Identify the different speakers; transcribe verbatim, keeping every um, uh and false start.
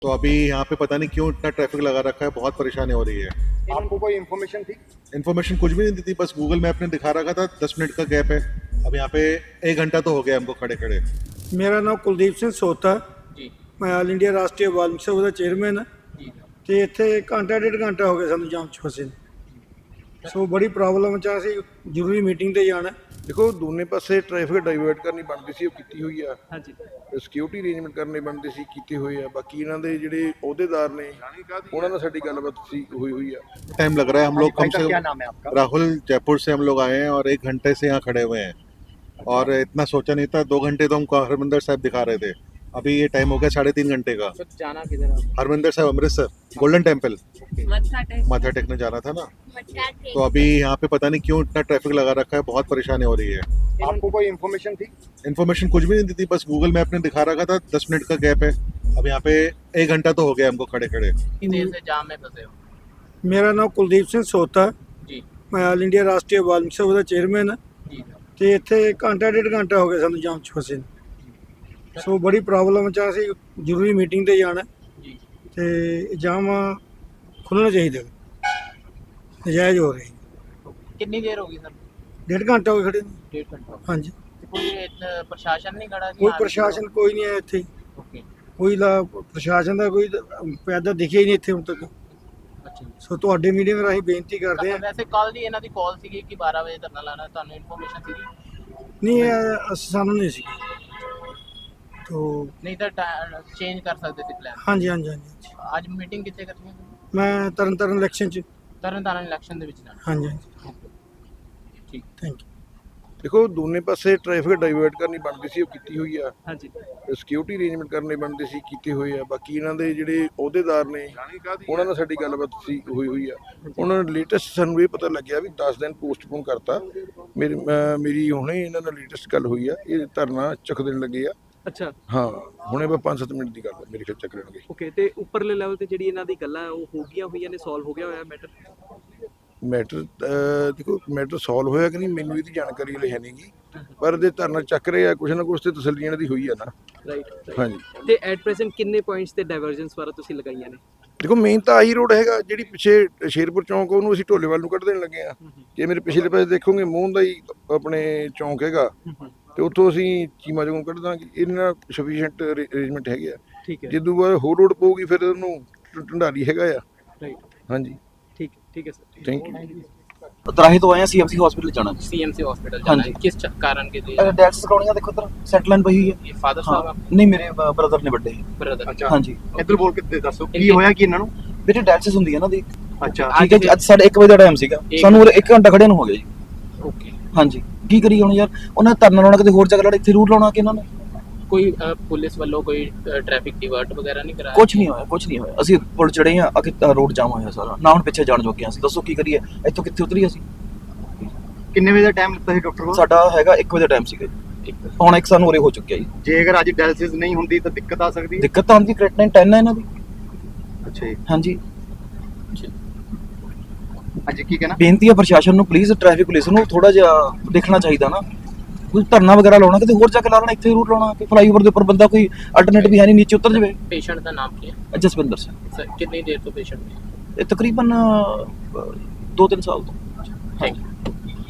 Speaker 1: तो अभी यहाँ पे पता नहीं क्यों इतना ट्रैफिक लगा रखा है, बहुत परेशानी हो रही है।
Speaker 2: आपको कोई इन्फॉर्मेशन थी?
Speaker 1: इन्फॉर्मेशन कुछ भी नहीं दी थी, बस गूगल मैप ने दिखा रखा था दस मिनट का गैप है। अब यहाँ पे एक घंटा तो हो गया हमको खड़े खड़े।
Speaker 3: ਮੇਰਾ ਨਾਮ ਕੁਲਦੀਪ ਸਿੰਘ ਸੋਤਾ
Speaker 2: ਜੀ
Speaker 3: ਮੈਂ ਆਲ ਇੰਡੀਆ ਰਾਸ਼ਟਰੀ ਵਾਲਮੀਕ ਸਭਾ ਦਾ ਚੇਅਰਮੈਨ ਹਾਂ
Speaker 2: ਜੀ
Speaker 3: ਤੇ ਇੱਥੇ ਘੰਟਾ ਡੇਢ ਘੰਟਾ ਹੋ ਗਿਆ ਸਾਨੂੰ ਜਾਮ 'ਚ ਫਸੇ ਨੂੰ। ਸੋ ਬੜੀ ਪ੍ਰੋਬਲਮ 'ਚ ਆ, ਅਸੀਂ ਜ਼ਰੂਰੀ ਮੀਟਿੰਗ ਤੇ ਜਾਣਾ।
Speaker 4: ਦੇਖੋ ਦੋਨੇ ਪਾਸੇ ਟ੍ਰੈਫਿਕ ਡਾਈਵਰਟ ਕਰਨੀ ਬਣਦੀ ਸੀ, ਉਹ ਕੀਤੀ ਹੋਈ ਆ।
Speaker 2: ਹਾਂਜੀ
Speaker 4: ਸਿਕਿਉਰਿਟੀ ਅਰੇਂਜਮੈਂਟ ਕਰਨੇ ਬਣਦੇ ਸੀ, ਕੀਤੇ ਹੋਏ ਆ। ਬਾਕੀ ਇਹਨਾਂ ਦੇ ਜਿਹੜੇ ਅਹੁਦੇਦਾਰ ਨੇ ਉਹਨਾਂ ਨਾਲ ਸਾਡੀ ਗੱਲਬਾਤ ਸੀ ਹੋਈ होई ਆ।
Speaker 1: टाइम लग रहा है, हम लोग कम से
Speaker 2: क्या
Speaker 1: कम
Speaker 2: नाम है आपका?
Speaker 1: राहुल जयपुर से हम लोग आए हैं और एक घंटे से यहाँ खड़े हुए हैं और इतना सोचा नहीं था। दो घंटे तो हमको हरमिंदर साहब दिखा रहे थे, अभी ये टाइम हो गया साढ़े तीन घंटे का।
Speaker 2: सर जाना किधर है?
Speaker 1: हरमिंदर साहब अमृतसर गोल्डन टेम्पल
Speaker 5: मत्था टेक
Speaker 1: माथा टेकने जाना था ना।
Speaker 5: मत्था टेक
Speaker 1: तो अभी यहाँ पे पता नहीं क्यों इतना ट्रैफिक लगा रखा है, बहुत परेशानी हो रही है।
Speaker 2: आपको कोई इन्फॉर्मेशन थी?
Speaker 1: इन्फॉर्मेशन कुछ भी नहीं दी थी, बस गूगल मैप ने दिखा रखा था दस मिनट का गैप है। अब यहाँ पे एक घंटा तो हो गया हमको खड़े खड़े।
Speaker 2: कितनी देर से जाम में फंसे हो?
Speaker 3: ਮੇਰਾ ਨਾਮ ਕੁਲਦੀਪ ਸਿੰਘ ਸੋਤਾ
Speaker 2: जी
Speaker 3: ਮੈਂ ਆਲ ਇੰਡੀਆ ਰਾਸ਼ਟਰੀ ਵਾਲਮੀਕ ਸਭਾ ਦਾ ਚੇਅਰਮੈਨ ਹਾਂ
Speaker 2: जी
Speaker 3: ਤੇ ਇੱਥੇ ਘੰਟਾ ਡੇਢ ਘੰਟਾ ਹੋ ਗਿਆ ਸਾਨੂੰ ਜਾਮ 'ਚ ਫਸੇ ਨੂੰ। ਸੋ ਬੜੀ ਪ੍ਰੋਬਲਮ 'ਚ ਆ, ਅਸੀਂ ਜ਼ਰੂਰੀ ਮੀਟਿੰਗ ਤੇ ਜਾਣਾ
Speaker 2: जी
Speaker 3: ਤੇ ਜਾਮ ਖੁੱਲ੍ਹਣਾ ਚਾਹੀਦਾ, ਨਜਾਇਜ਼ ਹੋ ਰਹੀ।
Speaker 2: कितनी देर होगी सर?
Speaker 3: ਡੇਢ ਘੰਟਾ ਹੋ ਗਿਆ ਖੜੇ ਨੂੰ।
Speaker 2: डेढ़ घंटा
Speaker 3: ਹਾਂਜੀ,
Speaker 2: कोई इतना प्रशासन नहीं खड़ा?
Speaker 3: ਕੋਈ ਪ੍ਰਸ਼ਾਸਨ ਕੋਈ ਨਹੀਂ ਆਇਆ ਇੱਥੇ,
Speaker 2: ओके
Speaker 3: ਕੋਈ ਲਾ ਪ੍ਰਸ਼ਾਸਨ ਦਾ ਕੋਈ ਪੈਦਾ ਦਿਖਿਆ ਹੀ ਨਹੀਂ ਇੱਥੇ ਹੁਣ ਤੱਕ।
Speaker 2: अच्छा
Speaker 3: ਸੋ ਤੁਹਾਡੇ ਮੀਟਿੰਗ ਰਾਹੀਂ ਬੇਨਤੀ ਕਰਦੇ ਹਾਂ।
Speaker 2: ਵੈਸੇ ਕੱਲ ਦੀ ਇਹਨਾਂ ਦੀ ਕਾਲ ਸੀਗੀ ਕਿ ਬਾਰਾਂ ਵਜੇ ਧਰਨਾ ਲਾਣਾ, ਤੁਹਾਨੂੰ ਇਨਫੋਰਮੇਸ਼ਨ ਸੀਗੀ?
Speaker 3: ਨਹੀਂ ਇਹ ਅਸੀਂ ਸਾਨੂੰ ਨਹੀਂ ਸੀ ਤੋ
Speaker 2: ਨਹੀਂ ਤਾਂ ਚੇਂਜ ਕਰ ਸਕਦੇ ਸੀ ਪਲਾਨ।
Speaker 3: ਹਾਂਜੀ ਹਾਂਜੀ ਹਾਂਜੀ
Speaker 2: ਅੱਜ ਮੀਟਿੰਗ ਕਿੱਥੇ ਕਰਨੀ ਹੈ?
Speaker 3: ਮੈਂ ਤਰਨ ਤਾਰਨ ਇਲੈਕਸ਼ਨ 'ਚ।
Speaker 2: ਤਰਨ ਤਾਰਨ ਇਲੈਕਸ਼ਨ ਦੇ ਵਿੱਚ ਜਾਣਾ।
Speaker 3: ਹਾਂਜੀ ਹਾਂਜੀ
Speaker 2: ਠੀਕ
Speaker 3: ਥੈਂਕ ਯੂ।
Speaker 4: ਦੇਖੋ ਦੋਨੇ ਪਾਸੇ ਟ੍ਰੈਫਿਕ ਡਾਈਵਰਟ ਕਰਨੀ ਬਣਦੀ ਸੀ, ਉਹ ਕੀਤੀ ਹੋਈ ਆ।
Speaker 2: ਹਾਂਜੀ
Speaker 4: ਸਿਕਿਉਰਿਟੀ ਅਰੇਂਜਮੈਂਟ ਕਰਨੇ ਬਣਦੇ ਸੀ, ਕੀਤੇ ਹੋਏ ਆ। ਬਾਕੀ ਇਹਨਾਂ ਦੇ ਜਿਹੜੇ ਅਹੁਦੇਦਾਰ ਨੇ ਉਹਨਾਂ ਨਾਲ ਸਾਡੀ ਗੱਲਬਾਤ ਸੀ ਹੋਈ ਹੋਈ ਆ। ਉਹਨਾਂ ਨੇ ਲੇਟੈਸਟ ਸਾਨੂੰ ਇਹ ਪਤਾ ਲੱਗਿਆ ਵੀ ਦਸ ਦਿਨ ਪੋਸਟਪੋਨ ਕਰਤਾ। ਮੇਰੀ ਅਹ ਮੇਰੀ ਹੁਣੇ ਇਹਨਾਂ ਨਾਲ ਲੇਟੈਸਟ ਗੱਲ ਹੋਈ ਆ, ਇਹ ਧਰਨਾ ਚੱਕ ਦੇਣ ਲੱਗੇ ਆ।
Speaker 6: ਅੱਛਾ
Speaker 4: ਹਾਂ ਹੁਣੇ ਬਸ ਪੰਜ ਸੱਤ ਮਿੰਟ ਦੀ ਗੱਲ ਆ, ਮੇਰੇ ਖਿਆਲ ਚੱਕ ਲੈਣਗੇ।
Speaker 6: ਓਕੇ, ਤੇ ਉੱਪਰਲੇ ਲੈਵਲ ਤੇ ਜਿਹੜੀ ਇਹਨਾਂ ਦੀ ਗੱਲਾਂ ਉਹ ਹੋ ਗਈਆਂ ਹੋਈਆਂ ਨੇ, ਸੋਲਵ ਹੋ ਗਿਆ ਹੋਇਆ ਮੈਟਰ?
Speaker 4: ਮੈਟਰ ਦੇਖੋ ਮੈਟਰ ਸੋਲਵ ਹੋਇਆ ਕਿ ਨਹੀਂ ਮੈਨੂੰ ਇਹਦੀ ਜਾਣਕਾਰੀ ਹਲੇ ਹੈ ਨਹੀਂ ਗੀ, ਪਰ ਜੇ ਧਰਨਾ ਚੱਕ ਰਹੇ ਆ ਕੁਛ ਨਾ ਕੁਛ ਤੇ ਤਸੱਲੀ ਇਹਨਾਂ ਦੀ ਹੋਈ ਆ ਨਾ।
Speaker 6: ਰਾਈਟ
Speaker 4: ਹਾਂਜੀ
Speaker 6: ਤੇ ਐਟ ਪ੍ਰੈਜ਼ੈਂਟ ਕਿੰਨੇ ਪੁਆਇੰਟਸ ਤੇ ਡਾਇਵਰਜੈਂਸ ਵਾਰਾ ਤੁਸੀਂ ਲਗਾਈਆਂ ਨੇ?
Speaker 4: ਦੇਖੋ ਮੇਨ ਤਾਂ ਆਹੀ ਰੋਡ ਹੈਗਾ, ਜਿਹੜੀ ਪਿੱਛੇ ਸ਼ੇਰਪੁਰ ਚੌਂਕ ਉਹਨੂੰ ਅਸੀਂ ਢੋਲੇਵਾਲ ਨੂੰ ਕੱਢ ਦੇਣ ਲੱਗੇ ਆ। ਜੇ ਮੇਰੇ ਪਿਛਲੇ ਪਾਸੇ ਦੇਖੋਗੇ ਮੂੰਹ ਦਾ ਹੀ ਆਪਣੇ ਚੌਂਕ ਹੈਗਾ ਤੇ ਉੱਥੋਂ ਅਸੀਂ ਚੀਮਾ ਚੌਂਕ ਕੱਢ ਦਾਂਗੇ। ਇਹਨਾਂ ਸਫੀਸ਼ੀਐਂਟ ਅਰੇਂਜਮੈਂਟ ਹੈਗੇ ਆ।
Speaker 6: ਠੀਕ ਹੈ,
Speaker 4: ਜਦੋਂ ਬਾਅਦ ਹੋਰ ਰੋਡ ਪਊਗੀ ਫਿਰ ਉਹਨੂੰ ਢੰਡਾਰੀ ਹੈਗਾ ਆ।
Speaker 6: ਰਾਈਟ
Speaker 4: ਹਾਂਜੀ
Speaker 6: ਠੀਕ ਠੀਕ ਹੈ ਸਰ।
Speaker 4: Thank you.
Speaker 7: ਤਰਾਹੀ ਤੋਂ ਆਏ ਹਾਂ, ਸੀਐਮਸੀ ਹਸਪੀਟਲ ਜਾਣਾ ਜੀ।
Speaker 2: सीएमसी हॉस्पिटल जाना है।
Speaker 7: हाँ जी।
Speaker 2: किस च- कारण के लिए?
Speaker 7: ਡੈਟਸ ਕਰਾਉਣੀਆਂ ਦੇਖੋ ਤਰ ਸੈਟ ਲਾਈਨ ਪਈ ਹੋਈ ਹੈ।
Speaker 2: ये फादर साहब
Speaker 7: ਹਾਂ
Speaker 2: आप
Speaker 7: ਨਹੀਂ ਮੇਰੇ ਬ੍ਰਦਰ ਨੇ ਵੱਡੇ
Speaker 2: ब्रदर?
Speaker 7: ਹਾਂਜੀ
Speaker 2: ਇੱਧਰ ਬੋਲ ਕੇ ਦੱਸੋ ਕੀ ਹੋਇਆ ਕਿ ਇਹਨਾਂ ਨੂੰ?
Speaker 7: ਬੇਟੇ ਡੈਟਸ ਹੁੰਦੀ ਹੈ ਨਾ ਦੀ।
Speaker 2: ਅੱਛਾ
Speaker 7: ਠੀਕ ਹੈ ਜੀ, ਅੱਜ ਸਾਢੇ ਇੱਕ ਵਜੇ ਦਾ ਟਾਈਮ ਸੀਗਾ, ਸਾਨੂੰ ਉਰੇ ਇੱਕ ਘੰਟਾ ਖੜੇ ਨੂੰ ਹੋ ਗਿਆ ਜੀ।
Speaker 2: ਓਕੇ
Speaker 7: ਹਾਂਜੀ ਕੀ ਕਰੀਏ ਹੁਣ ਯਾਰ, ਉਹਨਾਂ ਨੇ ਧਰਨਾ ਲਾਉਣਾ ਕਿਤੇ ਹੋਰ ਜਗ੍ਹਾ ਲੜਾ, ਇੱਥੇ ਰੂਟ ਲਾਉਣਾ ਕਿ ਇਹਨਾਂ ਨੇ।
Speaker 2: ਕੋਈ ਅ, ਪੁਲਿਸ ਵੱਲੋਂ ਕੋਈ ਟ੍ਰੈਫਿਕ ਡਿਵਰਟ ਵਗੈਰਾ ਨਹੀਂ ਕਰਾਇਆ?
Speaker 7: ਕੁਝ ਨਹੀਂ ਹੋਇਆ, ਕੁਝ ਨਹੀਂ ਹੋਇਆ। ਅਸੀਂ ਪੁਲ ਚੜੇ ਆ, ਅੱਗੇ ਰੋਡ ਜਾਮ ਹੋਇਆ ਸਾਰਾ, ਨਾ ਹੁਣ ਪਿੱਛੇ ਜਾਣ ਜੋਗੇ ਅਸੀਂ। ਦੱਸੋ ਕੀ ਕਰੀਏ, ਇੱਥੋਂ ਕਿੱਥੇ ਉਤਰੀਏ ਅਸੀਂ?
Speaker 8: ਕਿੰਨੇ ਵਜੇ ਦਾ ਟਾਈਮ ਲਿੱਤਾ ਸੀ ਡਾਕਟਰ ਕੋਲ?
Speaker 7: ਸਾਡਾ ਹੈਗਾ ਇੱਕ ਵਜੇ ਦਾ ਟਾਈਮ ਸੀਗਾ ਜੀ, ਹੁਣ ਇੱਕ ਸਾਨੂੰ ਉਰੇ ਹੋ ਚੁੱਕਿਆ ਜੀ।
Speaker 8: ਜੇ ਅਗਰ ਅੱਜ ਡਾਇਲਿਸਿਸ ਨਹੀਂ ਹੁੰਦੀ ਤਾਂ ਦਿੱਕਤ ਆ ਸਕਦੀ ਹੈ।
Speaker 7: ਦਿੱਕਤ ਤਾਂ ਆਉਂਦੀ, ਕ੍ਰੈਟਨਾਈਨ ਟੈਨ ਹੈ ਇਹਨਾਂ ਦੀ।
Speaker 8: ਅੱਛਾ ਜੀ,
Speaker 7: ਹਾਂਜੀ
Speaker 8: ਅੱਜ ਕੀ ਕਹਿਣਾ?
Speaker 7: ਬੇਨਤੀ ਹੈ ਪ੍ਰਸ਼ਾਸਨ ਨੂੰ, ਪਲੀਜ਼ ਟ੍ਰੈਫਿਕ ਪੁਲਿਸ ਨੂੰ ਥੋੜਾ ਜਿਹਾ ਦੇਖਣਾ ਚਾਹੀਦਾ ਨਾ। ਕੋਈ ਧਰਨਾ ਵਗੈਰਾ ਲਾਉਣਾ ਕਿਤੇ ਹੋਰ ਜਾ ਕੇ ਲਾ ਲੈਣਾ, ਇੱਥੇ ਰੂਟ ਲਾਉਣਾ ਕਿ ਫਲਾਈਓਵਰ ਦੇ ਉੱਪਰ ਬੰਦਾ ਕੋਈ ਅਲਟਰਨੇਟਿਵ ਹੈ ਨਹੀਂ, ਨੀਚੇ ਉਤਰ ਜਾਵੇ।
Speaker 2: ਪੇਸ਼ੈਂਟ ਦਾ ਨਾਮ ਕੀ ਹੈ?
Speaker 7: ਜਸਵਿੰਦਰ ਸਿੰਘ,
Speaker 2: ਸਰ ਕਿੰਨੀ ਦੇਰ ਤੋਂ ਪੇਸ਼ੈਂਟ ਹੈ?
Speaker 7: ਇਹ ਤਕਰੀਬਨ ਅਹ, ਦੋ ਤਿੰਨ ਸਾਲ ਤੋਂ।
Speaker 2: Thank you.